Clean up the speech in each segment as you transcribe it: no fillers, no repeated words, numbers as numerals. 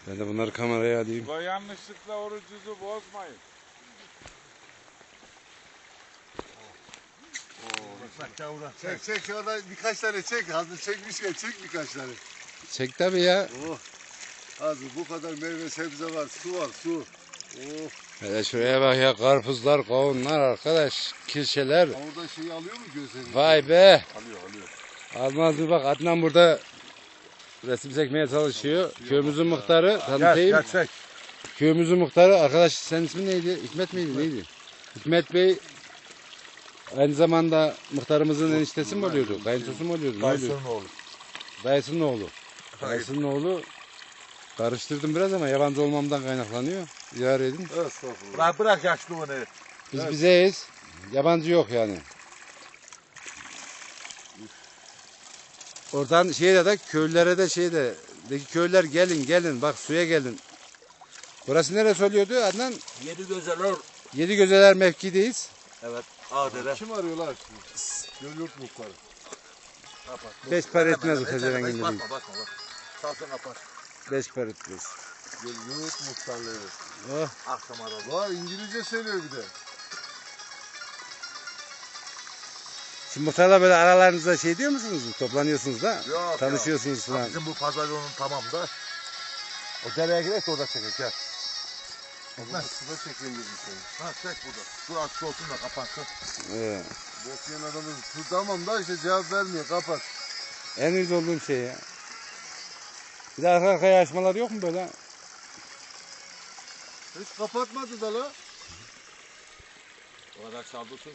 Ben de bunları kameraya alayım. Bu yanlışlıkla orucunuzu bozmayın. Çek şurada birkaç tane çek. Hazır çekmişken çek birkaç tane. Çek tabii ya. Oh. Hazır bu kadar meyve sebze var. Su var su. Oh. Hele şuraya bak ya, karpuzlar, kavunlar arkadaş, kirşeler. Orada şeyi alıyor mu gözlerini? Vay be. Alıyor. Almaz mı bak, Adnan burada resim çekmeye çalışıyor. Köyümüzün muhtarı, tanıtayım. Çek. Köyümüzün muhtarı, arkadaş senin ismin neydi? Hikmet miydi? Neydi? Hikmet Bey aynı zamanda muhtarımızın eniştesi mi oluyordu? Kayınçosu mu oluyordu? Ne oluyordu? Dayısının oğlu. Dayısının oğlu. Dayısının oğlu. Karıştırdım biraz ama yabancı olmamdan kaynaklanıyor. İdare edin. Estağfurullah. Bırak yaşlılığını. Biz bizeyiz. Yabancı yok yani. Oradan şeyde de köylere de köylüler gelin bak suya gelin. Burası neresi oluyordu Adnan? Yedigözeler. Yedigözeler mevkideyiz. Evet. Ağdere. Kim arıyorlar? Gölyurt muhtarı. Kapat. 5 para etmez o pezevengin dediği. Bakma. Salsın kapat. 5 para etmez. Gölyurt muhtarlığı. Oh. Akşam aradı. Var İngilizce söylüyor bir de. Şimdi muhtarla böyle aralarınızda şey diyor musunuz? Toplanıyorsunuz da. Yok. Tanışıyorsunuz falan. Bizim bu pazar yolunun tamam da. O dereye girerse orada çekecek. Gel. Suda çekeyim dedim seni. Ha çek burada. Dur açık olsun da kapansın. Evet. Bekleyen adamız tamam da işte cevap vermiyor. Kapat. En uyuz olduğum şey ya. Bir de arka arkaya açmalar yok mu böyle? Hiç kapatmadı da la. O kadar saldırsın.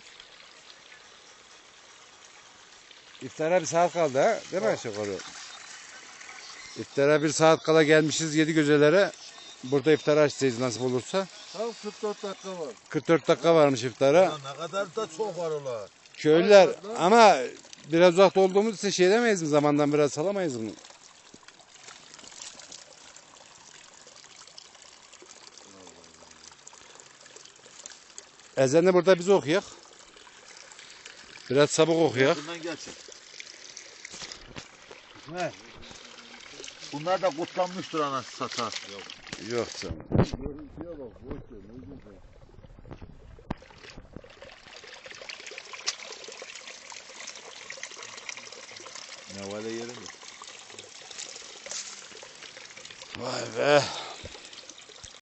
İftara bir saat kaldı ha, değil mi aşağı yukarı? İftara bir saat kala gelmişiz Yedigözelere. Burada iftara açacağız nasip olursa. Tam 44 dakika var. 44 dakika varmış iftara. Ya ne kadar da çok var ola. Köylüler ama biraz uzakta olduğumuz için şey demeyiz mi? Zamandan biraz salamayız bunu. Ezanı burada biz okuyak. Biraz sabık okuyak. Bundan gelsin. Ne? Bunlar da kutlanmıştır anası sata. Yok canım. Görüntüye bak. Boş ver. Ne güzel. Ne var yeri mi? Vay be.